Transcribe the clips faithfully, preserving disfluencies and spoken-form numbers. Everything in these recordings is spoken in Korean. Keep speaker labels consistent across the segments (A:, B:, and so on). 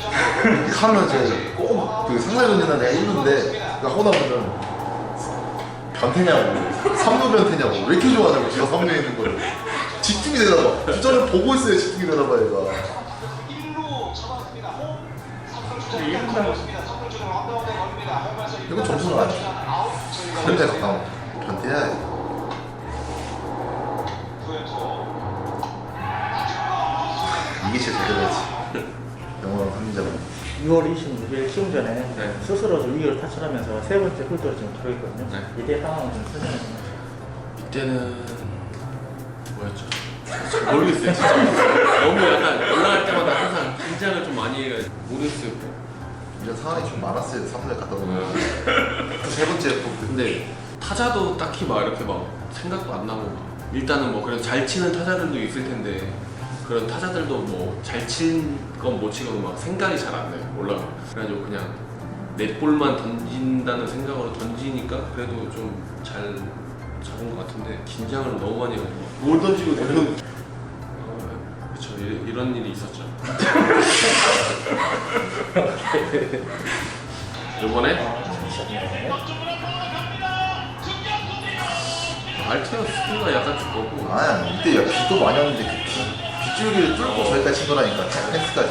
A: 하면 이제 꼭그 상상전이나 내가 있는데 하고 나면은 변태냐고 삼 루 변태냐고 왜 이렇게 좋아하냐고 제가 삼 루에 있는 거를 집중이 되나봐. 주자를 보고 있어야 집중이 되나봐 얘가. 이건 점수는 아니야. 삼 루에 가까워. 변태야 이거. 이게 제일 제대로지. 영어랑 삼루자고.
B: 유월 이십육 일 시험 전에
C: 네.
B: 스스로 좀 위기를 탈출하면서 세 번째 훌도를 지금 들어있거든요.
C: 네.
B: 이때 상황을 좀 설명해 주세요.
C: 이때는 뭐였죠? 잘 모르겠어요 진짜. 너무 약간 올라갈 때마다 항상 긴장을 좀 많이 해가지고 모르겠어요.
A: 이런 상황이 좀 많았어요. 삼 루에 갔다 오면. 세 번째 또
C: 근데 타자도 딱히 막 이렇게 막 생각도 안 나고 막. 일단은 뭐 그래도 잘 치는 타자들도 있을 텐데 그런 타자들도 뭐 잘 친 건 못 치건 막 생각이 잘 안 나요. 올라가. 그래가지고 그냥 넷볼만 던진다는 생각으로 던지니까 그래도 좀 잘 잡은 것 같은데 긴장을 너무 많이 해가지고 뭘 던지고 내는 어, 그쵸 이, 이런 일이 있었죠. 요번에 알테어스가 약간 죽었고
A: 아니 이때 야, 비도 많이 왔는데 그 비, 빗줄기를 뚫고 저기까지 친 거라니까 펜스까지.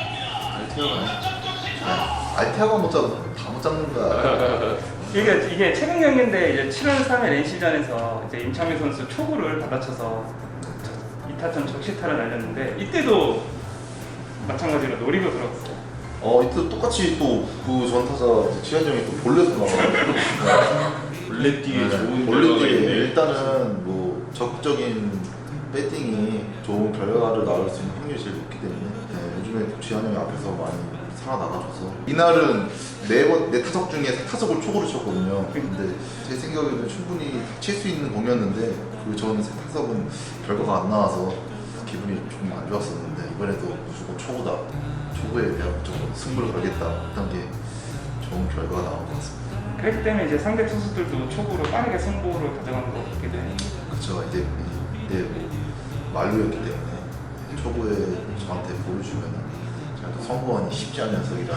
C: 알테어가
A: 알테아가 못 잡는 다 못 잡는다.
D: 이게, 이게 최근 경기인데 이제 칠월 삼일 엔씨전에서 이제 임창민 선수 초구를 받아쳐서 이 타점 적시타를 날렸는데 이때도 마찬가지로 노리고 들어갔어요.
A: 어 이때 똑같이 또 그 전타자 지한정이 또 볼넷을 나와.
C: 원래 뛰기 좋은
A: 볼넷
C: 결과가
A: 뛰기
C: 있네.
A: 일단은 뭐 적극적인 배팅이 좋은 결과를 낳을 수 있는 확률이 제일 높기 때문에 네, 요즘에 지한정이 앞에서 많이 살아나가줘서 이날은 네번 네 타석 중에 세 타석을 초구를 쳤거든요. 근데 제 생각에는 충분히 칠 수 있는 공이었는데 그 전 세 타석은 결과가 안 나와서 기분이 조금 안 좋았었는데 이번에도 무조건 초구다. 초구에 대한 좀 승부를 걸겠다 했던 게 좋은 결과가 나온 것 같습니다.
D: 그렇기 때문에 이제 상대 투수들도 초구로 빠르게 승부를 가져가는 것 같게 돼요.
A: 그쵸 이제 이때 뭐 만루였기 때문에 초구에 저한테 보여주면은 제가 또 선구원이 쉽지 않은 녀석이라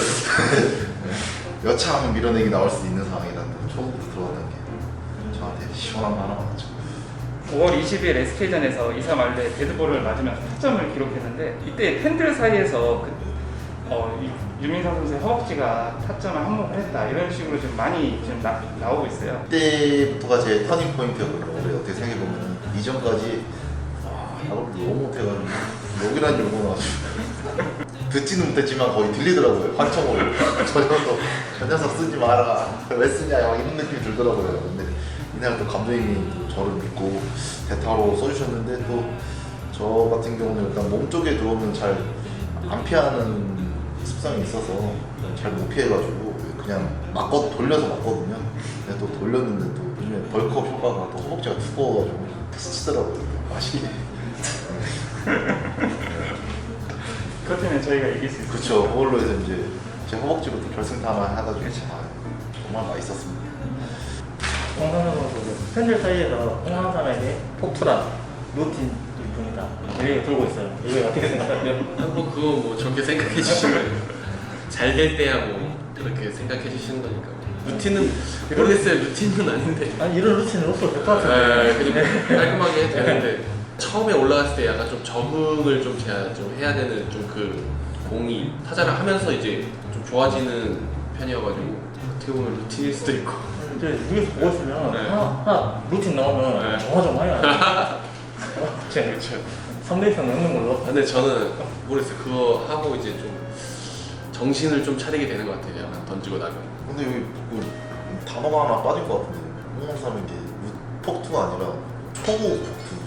A: 여차하면 밀어내기 나올 수 있는 상황이라 초구부터 들어가는 게 저한테 시원한 거 하나 맞죠.
D: 오월 이십일 에스케이전에서 이 사 말루에 데드볼을 맞으면서 타점을 기록했는데 이때 팬들 사이에서 그, 어, 이- 유민상 선수의 허벅지가 타점을 한몫을 했다 이런 식으로 좀 많이 지금 나, 나오고 있어요.
A: 그때부터가 제 터닝 포인트였거든요. 원래 어떻게 생각해보면 이전까지 아, 야구를 너무 못해가지고 욕이란 욕은 나가지고 듣지는 못했지만 거의 들리더라고요. 환청으로 저 녀석 저 녀석 쓰지 마라 왜 쓰냐 막 이런 느낌이 들더라고요. 근데 이날 또 감독님이 또 저를 믿고 대타로 써주셨는데 또 저 같은 경우는 일단 몸 쪽에 들어오면 잘 안 피하는 습성이 있어서 잘 못 피해가지고 그냥 맞고 돌려서 맞거든요. 근데 또 돌렸는데 또 요즘에 벌크업 효과가 또 허벅지가 두꺼워가지고 스치더라고요. 맛있게.
D: 그렇다면 저희가 이길 수 있어요.
A: 그쵸. 그걸로 해서 이제 제 허벅지부터 결승타만 해가지고 아, 정말 맛있었습니다.
B: 홍상현 선수 팬들 사이에서 홍상삼에게 폭투란 루틴 분이다 얘기가 돌고 있어요. 이거 어떻게 생각하세요?
C: 뭐 그거 뭐 저렇게 생각해 주시면 잘 될 때야 뭐 그렇게 생각해 주시는 거니까 루틴은 모르겠어요. 루틴은 아닌데
B: 아니 이런 루틴은 없어도 될 것
C: 에,
B: 같은데.
C: 그냥 깔끔하게 해도 되는데 처음에 올라갔을 때 약간 좀 적응을 좀 제가 좀 해야 되는 좀 그 공이 타자를 하면서 이제 좀 좋아지는 편이어가지고 어떻게 보면 루틴일 수도 있고
B: 이제 위에서 보고 있으면
C: 네.
B: 하나, 하나 루틴 나오면
C: 네.
B: 정화정화해요.
C: 그렇죠.
B: 삼 대 이상 넘는 걸로.
C: 근데 저는 모르겠어요. 그거 하고 이제 좀 정신을 좀 차리게 되는 것 같아요. 약간 던지고 나면.
A: 근데 여기 그 단어가 하나 빠진 것 같은데 홍삼이 게 폭투가 아니라 초구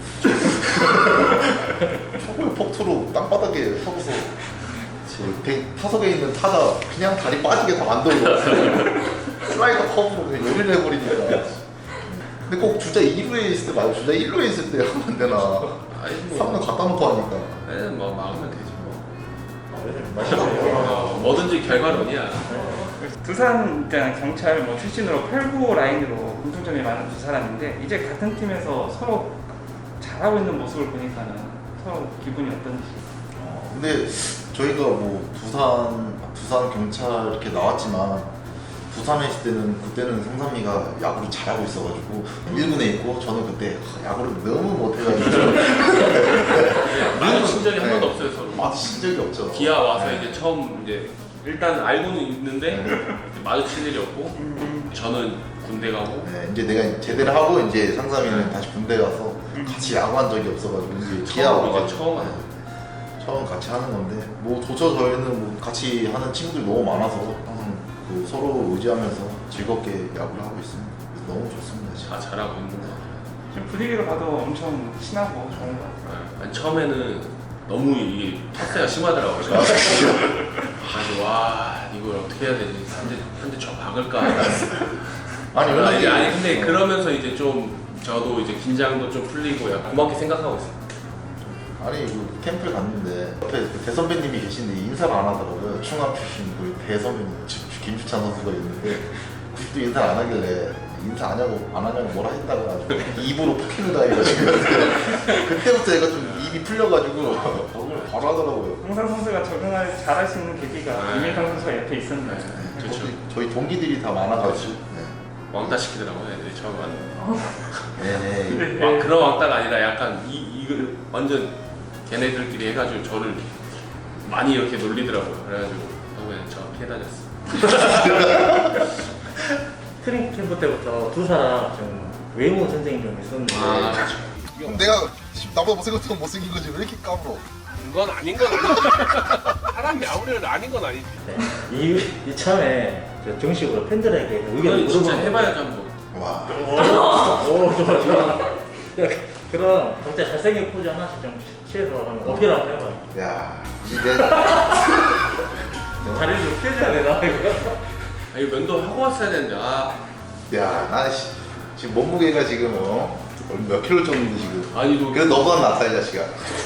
A: 폭투. 초구의 폭투로 땅바닥에 서고서 그 타석에 있는 타자 그냥 다리 빠지게 다 만들어. 슬라이더 커브로 그냥 요리를 해버리니까. 근데 꼭 주자 이 루에 있을 때 말고 주자 일 루에 있을 때 하면 안 되나.
C: 아니
A: 삼 루
C: 뭐,
A: 갖다 놓고 하니까.
C: 네, 뭐 막으면 되지 뭐.
B: 맛있어요.
C: 어, 뭐든지 결과론이야.
D: 두산 일단 경찰 뭐 출신으로 팔 구 라인으로 공통점이 많은 두 사람인데 이제 같은 팀에서 서로 잘하고 있는 모습을 보니까는 서로 기분이 어떤지.
A: 어, 근데 저희가 뭐 부산 부산 경찰 이렇게 나왔지만 부산에 있을 때는 그때는 성삼이가 야구를 잘하고 있어가지고 일 군에 있고 저는 그때 야구를 너무 못해가지고
C: 마주친 적이 한
A: 네.
C: 번도 없어요 서로.
A: 마주친 적이 없죠.
C: 기아 와서 이제 처음 이제 일단 알고는 있는데
A: 네.
C: 마주칠 일이 없고 저는 군대 가고
A: 네, 이제 내가 제대를 하고 이제 상삼이는 다시 군대 가서 같이 야구한 적이 없어가지고 이제 기아
C: 처음 이제
A: 와가지고
C: 처음 하는
A: 네, 처음 같이 하는 건데 뭐 조차 저희는 뭐 같이 하는 친구들이 너무 많아서 항상 그 서로 의지하면서 즐겁게 야구를 하고 있습니다. 그래서 너무 좋습니다 지금.
C: 다 잘하고 있는 거 같아요.
D: 지금 분위기로 봐도 엄청 친하고 좋은 것 같아요.
C: 네. 아니, 처음에는 너무 이게 텃세가 심하더라고요. 아니 와 이걸 어떻게 해야 되지? 한대 한대 쳐 박을까?
A: 아니
C: 아니, 아니, 아니
A: 어.
C: 근데 그러면서 이제 좀 저도 이제 긴장도 좀 풀리고 약간 고맙게 생각하고 있어요.
A: 아니 그 캠프를 갔는데 옆에 그 대선배님이 계신데 인사를 안 하더라고요. 충암 출신 우리 대선배님 지- 김주찬 선수가 있는데 그때 인사를 안 하길래 인사 안 하냐고 안 하냐고 뭐라 했다가 아주 입으로 폭행을 당해가지고 그때부터 얘가 좀 입이 풀려가지고 그걸 바로 하더라고요.
D: 홍상 선수가 적응할 잘할 수 있는 계기가
C: 네.
D: 유민상 선수가 옆에 있었나요?
C: 그렇죠.
A: 저희, 저희 동기들이 다 많아가지고
C: 왕따 시키더라고요 애들이 처음 왔는데.
A: 네. 네.
D: 네.
C: 막 그런 왕따가 아니라 약간 이 이거 완전 걔네들끼리 해가지고 저를 많이 이렇게 놀리더라고요. 그래가지고 그냥 저 피해 다녔어.
B: 트림 캠프 때부터 두 사람 좀 외모 전쟁이 좀 있었는데
C: 아
A: 그럼 내가 나보다 못생겼던 못생긴 거지 왜 이렇게 까불어?
C: 그건 아닌 건 아니지. 사람이 아무래도 아닌 건 아니지.
B: 네. 이, 이참에 저 정식으로 팬들에게 의견을
C: 이건 진짜
B: 물어보는
C: 해봐야죠 한번.
A: 와.
B: 오, 좋아, 좋아. 그럼 각자 잘생긴 포즈 하나씩 좀 취해서 한번 어필 한번 해봐요.
A: 야 이제
B: 다리를 좀 펴줘야 되나, 이거?
C: 아 이거 면도 하고 왔어야 되는데 아
A: 야나 지금 몸무게가 지금 어? 몇 킬로 쪘는데 지금.
C: 아니 너
A: 그래 너보다 낫다 이 자식아.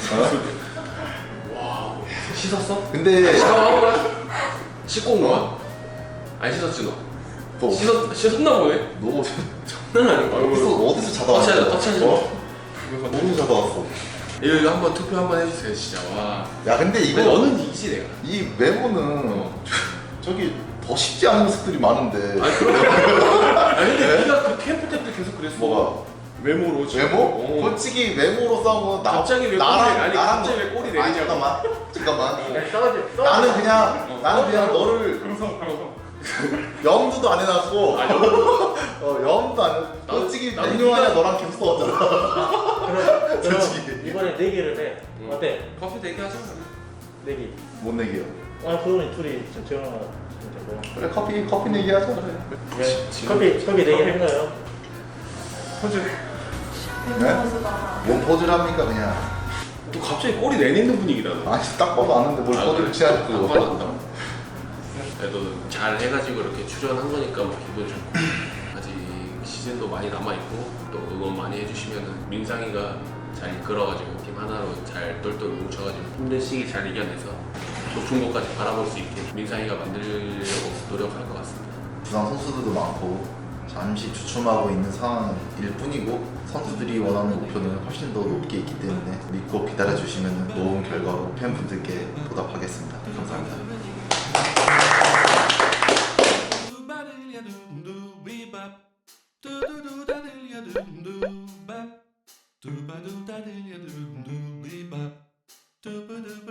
A: 어?
C: 와 씻었어?
A: 근데
C: 샤워하고 가? 씻고 온 거야? 안 씻었지 너?
A: 또
C: 씻었, 씻었나 보네?
A: 너
C: 장난 아닌 거야
A: 어디서 어디서 자다 왔어?
C: 터치하자 터치하자
A: 어? 어디서 자다 왔어?
C: 이거, 이거 한번 투표 한번 해주세요 진짜 와
A: 야 근데 이거
C: 이거 너는 이기지 내가
A: 이 외모는 저기 더 쉽지 않은 모습들이 많은데.
C: 아니 그럼 아니 근데 네가 그 캠프 때부터 계속 그랬어
A: 뭐가?
C: 외모로 지금.
A: 외모?
C: 어.
A: 솔직히 외모로 싸운 건 나,
C: 갑자기 왜
A: 나랑
C: 꼬리- 아니,
A: 나랑
C: 갑자기
A: 너-
C: 왜 꼬리
A: 아니,
C: 내리냐고.
A: 잠깐만 잠깐만
B: 그냥 싸우지, 싸우지.
A: 나는 그냥
C: 어.
A: 나는 그냥 너를
D: 방송 방송.
A: 염두도 안 해놨고
C: 아 여보
A: 어, 염도 안 해.
C: 나도-
A: 솔직히
C: 나도
A: 몇 년 안에
C: 네가-
A: 너랑 계속 싸웠잖아.
B: 그럼, 그럼
A: 솔직히.
B: 이번에 내기를 해. 어때?
C: 커피 대기하자
B: 내기.
A: 못 내기요.
B: 아, 그거는 둘이 좀 정하면 되고.
A: 그래 커피 커피 내기 하자.
B: 네. 커피, 커피 내기 한 거예요?
D: 포즈.
A: 네? 뭔 포즈를 합니까 그냥.
C: 또 갑자기 꼬리 내리는 분위기다 너
A: 아니 딱 봐도 아는데 뭘
C: 아,
A: 포즈를
C: 그래?
A: 취하고.
C: 안 받았다 그래도 잘 해가지고 이렇게 출연한 거니까 뭐 기분 좋고 아직 시즌도 많이 남아있고 또 응원 많이 해주시면은 민상이가 잘 이끌어가지고 팀 하나로 잘 똘똘 뭉쳐가지고 힘든 시기 잘 이겨내서 높은 곳까지 바라볼 수 있게 민상이가 만들려고 노력할 것 같습니다.
A: 부상 선수들도 많고 잠시 주춤하고 있는 상황일 뿐이고 선수들이 원하는 목표는 훨씬 더 높게 있기 때문에 믿고 기다려 주시면 좋은 결과로 팬분들께 보답하겠습니다. 감사합니다.